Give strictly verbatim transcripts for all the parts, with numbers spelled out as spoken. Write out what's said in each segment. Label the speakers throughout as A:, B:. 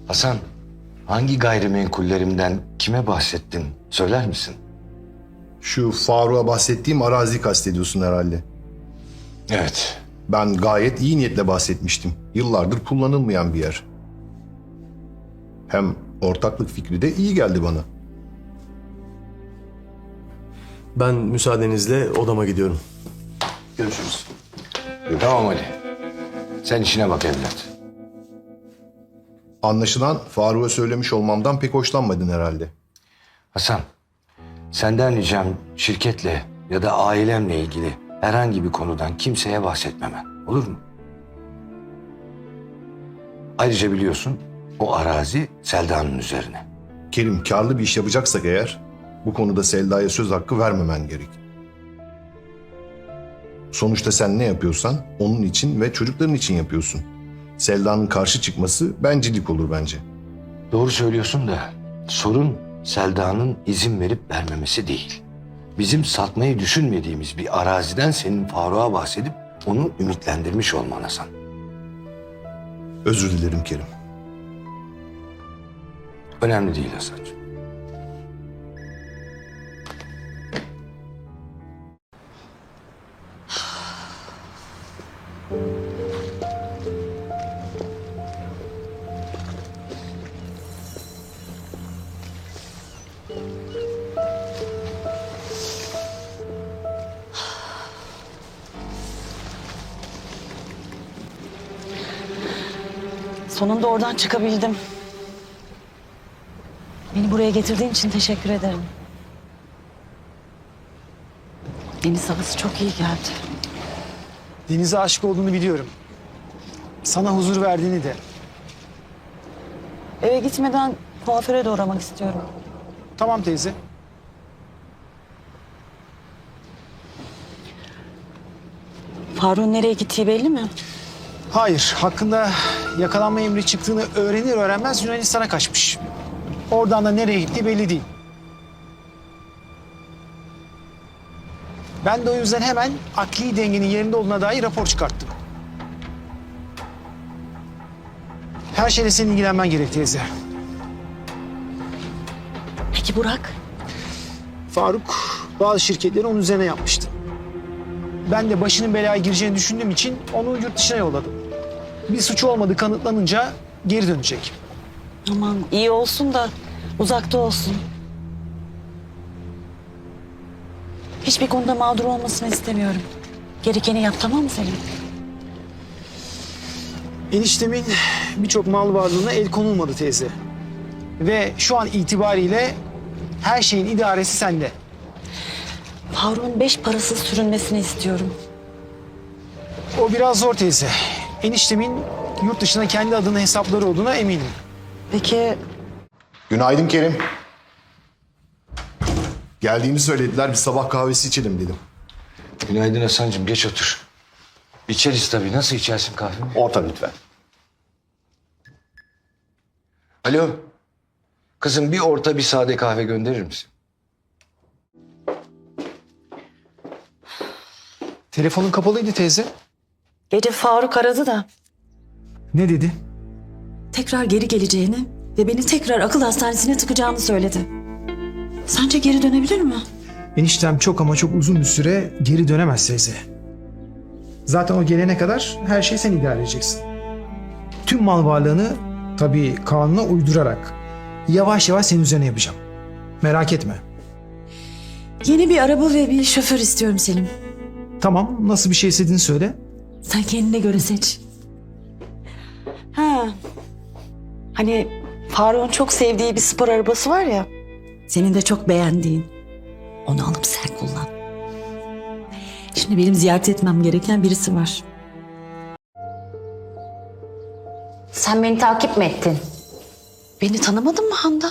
A: Hasan, hangi gayrimenkullerimden kime bahsettin söyler misin?
B: Şu Faruk'a bahsettiğim arazi kastediyorsun herhalde.
A: Evet.
B: Ben gayet iyi niyetle bahsetmiştim. Yıllardır kullanılmayan bir yer. Hem ortaklık fikri de iyi geldi bana.
C: Ben müsaadenizle odama gidiyorum.
A: Görüşürüz. Tamam Ali. Sen işine bak evlat.
B: Anlaşılan Faruk'a söylemiş olmamdan pek hoşlanmadın herhalde.
A: Hasan, senden ricam şirketle ya da ailemle ilgili herhangi bir konudan kimseye bahsetmemen. Olur mu? Ayrıca biliyorsun o arazi Selda'nın üzerine.
B: Kerim, karlı bir iş yapacaksak eğer bu konuda Selda'ya söz hakkı vermemen gerek. Sonuçta sen ne yapıyorsan onun için ve çocukların için yapıyorsun. Selda'nın karşı çıkması bencillik olur bence.
A: Doğru söylüyorsun da sorun Selda'nın izin verip vermemesi değil. Bizim satmayı düşünmediğimiz bir araziden senin Faruk'a bahsedip onu ümitlendirmiş olman Hasan.
B: Özür dilerim Kerim.
A: Önemli değil Hasan'cığım.
D: Sonunda oradan çıkabildim. Beni buraya getirdiğin için teşekkür ederim. Deniz havası çok iyi geldi.
E: Denize aşık olduğunu biliyorum. Sana huzur verdiğini de.
D: Eve gitmeden kuaföre de uğramak istiyorum.
E: Tamam teyze.
D: Faruk'un nereye gittiği belli mi?
E: Hayır, hakkında yakalanma emri çıktığını öğrenir öğrenmez Yunanistan'a kaçmış. Oradan da nereye gittiği belli değil. Ben de o yüzden hemen akli dengenin yerinde olduğuna dair rapor çıkarttım. Her şeyle senin ilgilenmen gerek teyze.
D: Peki Burak?
E: Faruk bazı şirketleri onun üzerine yapmıştı. Ben de başının belaya gireceğini düşündüğüm için onu yurt dışına yolladım. Bir suçu olmadığı kanıtlanınca geri dönecek.
D: Aman iyi olsun da uzakta olsun. Hiçbir konuda mağdur olmasını istemiyorum. Gerekeni yap, tamam mı Selim?
E: Eniştemin birçok mal varlığına el konulmadı teyze. Ve şu an itibariyle her şeyin idaresi sende.
D: Faruk'un beş parasız sürünmesini istiyorum.
E: O biraz zor teyze. Eniştemin yurt dışına kendi adına hesapları olduğuna eminim.
D: Peki
B: Günaydın Kerim. Geldiğini söylediler, bir sabah kahvesi içelim dedim.
A: Günaydın Hasan'cığım, geç otur. İçeriz tabii. Nasıl içersin kahvemi?
B: Orta lütfen.
A: Alo. Kızım bir orta bir sade kahve gönderir misin?
E: Telefonun kapalıydı teyze.
D: gece Faruk aradı da
E: Ne dedi?
D: tekrar geri geleceğini ve beni tekrar akıl hastanesine tıkacağını söyledi. Sence geri dönebilir mi?
E: Eniştem çok ama çok uzun bir süre geri dönemez teyze. Zaten o gelene kadar her şeyi sen idare edeceksin. Tüm mal varlığını tabii kanuna uydurarak yavaş yavaş senin üzerine yapacağım. Merak etme.
D: Yeni bir araba ve bir şoför istiyorum Selim.
E: Tamam, nasıl bir şey istediğini söyle.
D: Sen kendine göre seç. Ha. Hani Faruk'un çok sevdiği bir spor arabası var ya. Senin de çok beğendiğin. Onu alıp sen kullan. Şimdi benim ziyaret etmem gereken birisi var.
F: Sen beni takip mi ettin?
D: Beni tanımadın mı Handa?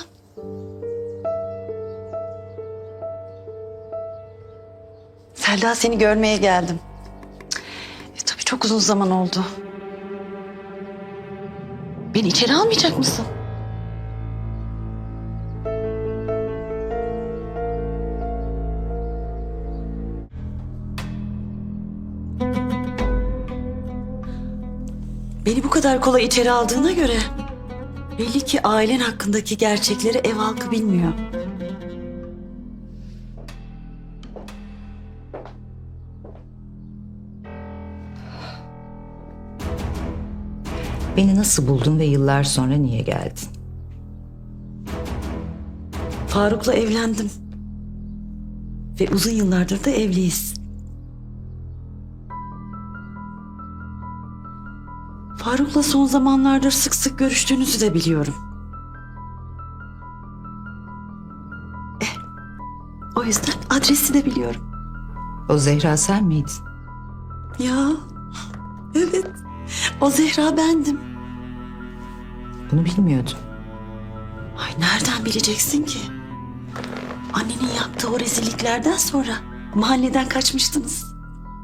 D: Selda, seni görmeye geldim. E, tabii çok uzun zaman oldu. Beni içeri almayacak mısın? Beni bu kadar kolay içeri aldığına göre Belli ki ailen hakkındaki gerçekleri ev halkı bilmiyor.
F: Beni nasıl buldun ve yıllar sonra niye geldin?
D: Faruk'la evlendim. Ve uzun yıllardır da evliyiz. Faruk'la son zamanlardır sık sık görüştüğünüzü de biliyorum. Eh, o yüzden adresi de biliyorum.
F: O Zehra sen miydin?
D: Ya, evet. O Zehra bendim.
F: Bunu bilmiyordum.
D: Ay nereden bileceksin ki? Annenin yaptığı o rezilliklerden sonra mahalleden kaçmıştınız.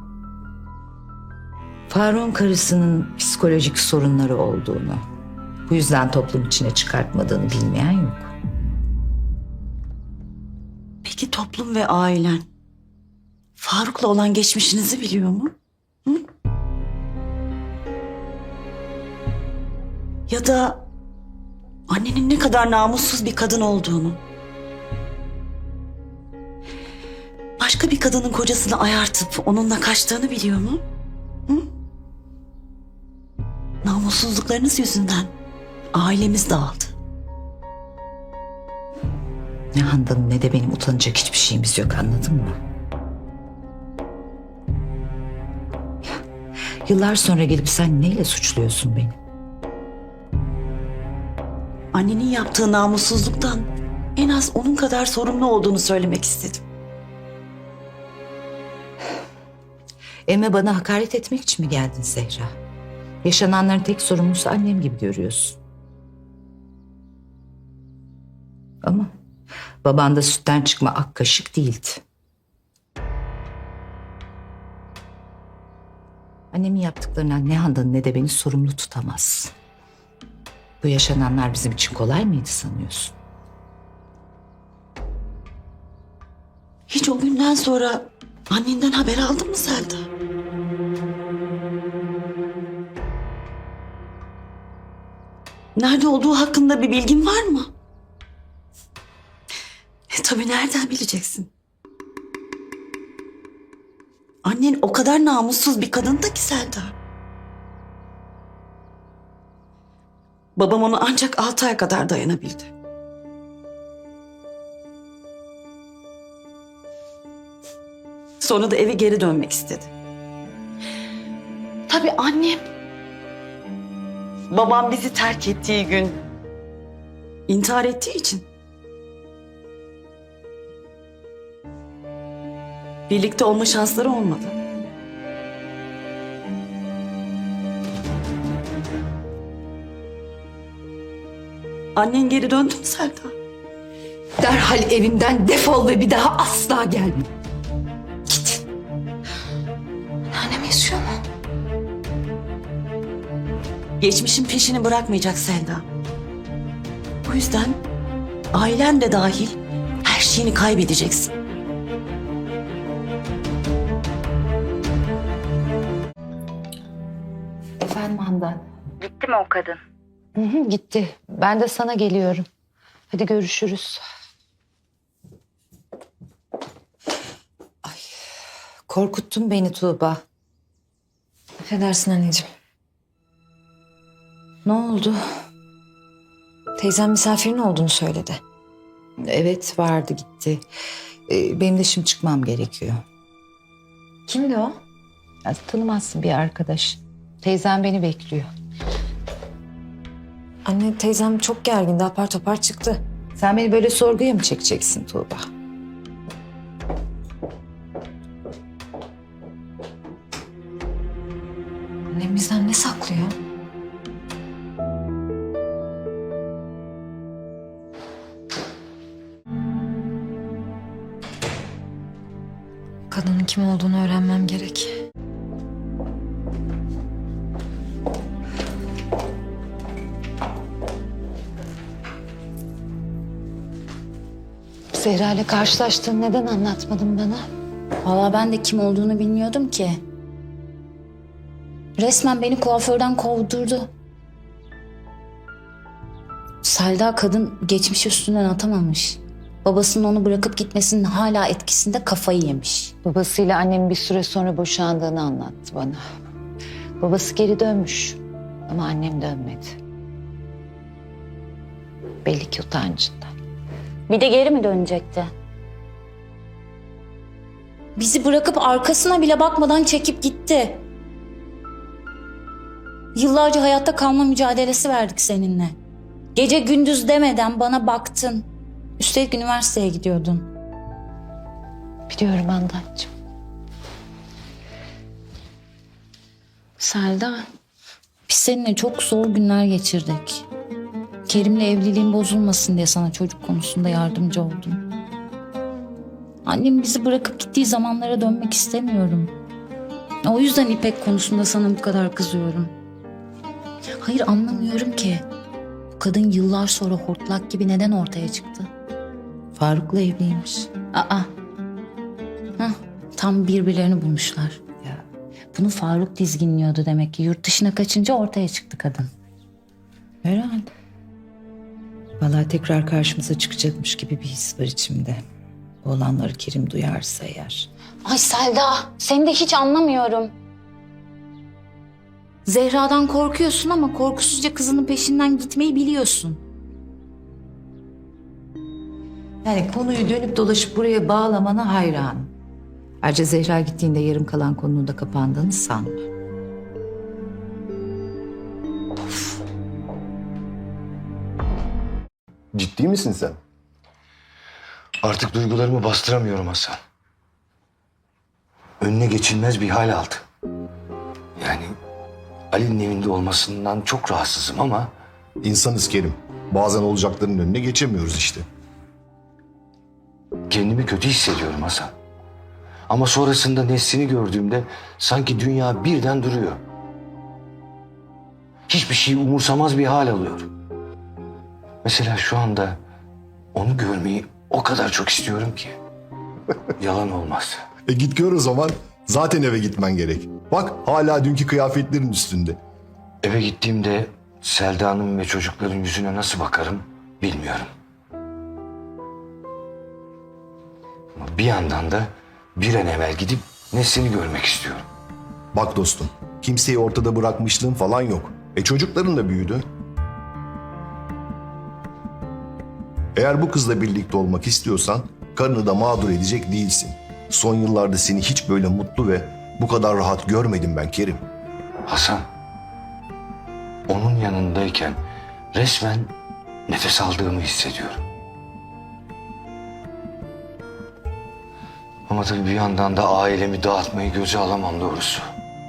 F: Faruk'un karısının psikolojik sorunları olduğunu, bu yüzden toplum içine çıkartmadığını bilmeyen yok.
D: Peki toplum ve ailen Faruk'la olan geçmişinizi biliyor mu? Hı? Ya da annenin ne kadar namussuz bir kadın olduğunu, başka bir kadının kocasını ayartıp onunla kaçtığını biliyor mu? Hı? Namussuzluklarınız yüzünden ailemiz dağıldı.
F: Ne Handan'ın ne de benim utanacak hiçbir şeyimiz yok, anladın mı? Yıllar sonra gelip sen neyle suçluyorsun beni?
D: Annenin yaptığı namussuzluktan en az onun kadar sorumlu olduğunu söylemek istedim.
F: Evime bana hakaret etmek için mi geldin Zehra? Yaşananların tek sorumlusu annem gibi görüyorsun. Ama baban da sütten çıkma ak kaşık değildi. Annemin yaptıklarından ne Handan'ı ne de beni sorumlu tutamaz. Bu yaşananlar bizim için kolay mıydı sanıyorsun?
D: Hiç o günden sonra annenden haber aldın mı Selda? Nerede olduğu hakkında bir bilgin var mı? E, tabii nereden bileceksin? Annen o kadar namussuz bir kadındı ki Selda. Babam onu ancak altı ay kadar dayanabildi. Sonra da eve geri dönmek istedi. Tabii annem, babam bizi terk ettiği gün intihar ettiği için birlikte olma şansları olmadı. Annen geri döndü mü Selda?
F: Derhal evimden defol ve bir daha asla gelme. Git.
D: Annem yaşıyor mu? Geçmişin peşini bırakmayacak Selda. Bu yüzden ailen de dahil her şeyini kaybedeceksin.
F: Efendim Handan.
G: Gitti mi o kadın?
F: Hı hı, gitti. Ben de sana geliyorum. Hadi görüşürüz. Ay, korkuttun beni Tuğba.
G: Affedersin anneciğim.
F: Ne oldu?
G: Teyzem misafirin olduğunu söyledi.
F: Evet vardı gitti. Ee, benim de şimdi çıkmam gerekiyor.
G: Kimdi o?
F: Ya, tanımazsın bir arkadaş. Teyzem beni bekliyor.
G: Anne teyzem çok gergindi, apar topar çıktı.
F: Sen beni böyle sorguya mı çekeceksin Tuğba?
G: Annem bizden ne saklıyor? Kadının kim olduğunu öğrenmem gerek.
F: Zehra ile karşılaştığını neden anlatmadın bana?
H: Vallahi ben de kim olduğunu bilmiyordum ki. Resmen beni kuaförden kovdurdu. Selda kadın geçmiş üstünden atamamış. Babasının onu bırakıp gitmesinin hala etkisinde kafayı yemiş.
F: Babasıyla annem bir süre sonra boşandığını anlattı bana. Babası geri dönmüş ama annem dönmedi. Belli ki utancından.
H: Bir de geri mi dönecekti? Bizi bırakıp arkasına bile bakmadan çekip gitti. Yıllarca hayatta kalma mücadelesi verdik seninle. Gece gündüz demeden bana baktın. Üstelik üniversiteye gidiyordun.
F: Biliyorum Handancığım.
H: Selda, biz seninle çok zor günler geçirdik. Kerim'le evliliğin bozulmasın diye sana çocuk konusunda yardımcı oldum. Annem bizi bırakıp gittiği zamanlara dönmek istemiyorum. O yüzden İpek konusunda sana bu kadar kızıyorum. Hayır, anlamıyorum ki. Bu kadın yıllar sonra hortlak gibi neden ortaya çıktı?
F: Faruk'la evliymiş.
H: Aa. Hah, tam birbirlerini bulmuşlar.
F: Ya.
H: Bunu Faruk dizginliyordu demek ki. Yurt dışına kaçınca ortaya çıktı kadın.
F: Herhalde. Vallahi tekrar karşımıza çıkacakmış gibi bir his var içimde. Bu olanları Kerim duyarsa eğer.
H: Ay Selda, seni de hiç anlamıyorum. Zehra'dan korkuyorsun ama korkusuzca kızının peşinden gitmeyi biliyorsun.
F: Yani konuyu dönüp dolaşıp buraya bağlamana hayranım. Ayrıca Zehra gittiğinde yarım kalan konunun da kapandığını sanmıyorum.
B: Ciddi misin sen?
A: Artık duygularımı bastıramıyorum Hasan. Önüne geçilmez bir hal aldı. Yani Ali'nin evinde olmasından çok rahatsızım ama
B: İnsanız Kerim. Bazen olacakların önüne geçemiyoruz işte.
A: kendimi kötü hissediyorum Hasan. Ama sonrasında Nesrin'i gördüğümde sanki dünya birden duruyor. Hiçbir şey umursamaz bir hal alıyor. Mesela şu anda onu görmeyi o kadar çok istiyorum ki. Yalan olmaz.
B: E git gör o zaman. Zaten eve gitmen gerek. Bak hala dünkü kıyafetlerin üstünde.
A: Eve gittiğimde Selda'nın ve çocukların yüzüne nasıl bakarım bilmiyorum. Ama bir yandan da bir an evvel gidip Nesrin'i görmek istiyorum.
B: Bak dostum, kimseyi ortada bırakmışlığın falan yok. E çocukların da büyüdü. Eğer bu kızla birlikte olmak istiyorsan karını da mağdur edecek değilsin. Son yıllarda seni hiç böyle mutlu ve bu kadar rahat görmedim ben Kerim.
A: Hasan, onun yanındayken resmen nefes aldığımı hissediyorum. Ama tabii bir yandan da ailemi dağıtmayı göze alamam doğrusu.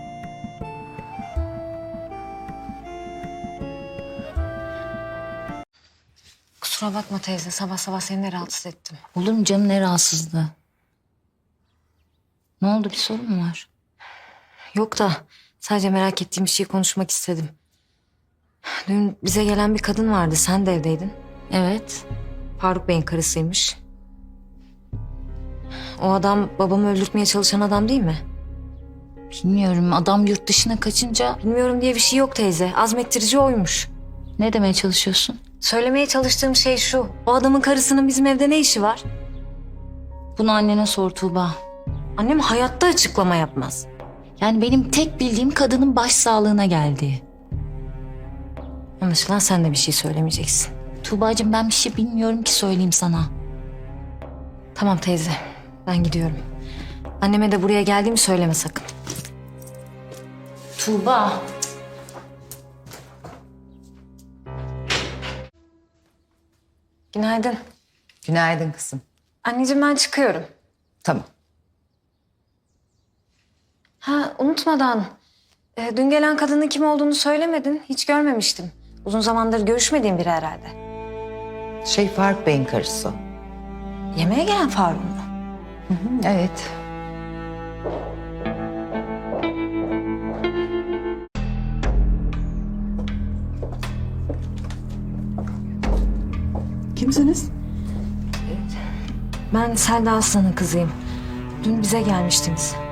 G: Kusura bakma teyze, sabah sabah seni de rahatsız ettim.
H: Olur mu canım, ne rahatsızlığı? Ne oldu, bir sorun mu var?
G: Yok da sadece merak ettiğim bir şey konuşmak istedim. Dün bize gelen bir kadın vardı, sen de evdeydin.
H: Evet.
G: Faruk Bey'in karısıymış. O adam babamı öldürtmeye çalışan adam değil mi?
H: Bilmiyorum, adam yurt dışına kaçınca...
G: Bilmiyorum diye bir şey yok teyze, azmettirici oymuş.
H: Ne demeye çalışıyorsun?
G: Söylemeye çalıştığım şey şu, o adamın karısının bizim evde ne işi var?
H: Bunu annene sor Tuğba.
G: Annem hayatta açıklama yapmaz.
H: Yani benim tek bildiğim kadının baş sağlığına geldiği.
G: Anlaşılan sen de bir şey söylemeyeceksin.
H: Tuğbacığım, ben bir şey bilmiyorum ki söyleyeyim sana.
G: Tamam teyze, ben gidiyorum. Anneme de buraya geldiğimi söyleme sakın.
H: Tuğba.
G: Günaydın.
F: Günaydın kızım.
G: Anneciğim ben çıkıyorum.
F: Tamam.
G: Ha unutmadan, e, dün gelen kadının kim olduğunu söylemedin. Hiç görmemiştim. Uzun zamandır görüşmediğim biri herhalde.
F: Şey Faruk Bey'in karısı o.
G: Yemeğe gelen Faruk mu?
F: Evet.
D: Kimsiniz?
G: Ben Selda Aslan'ın kızıyım. Dün bize gelmiştiniz.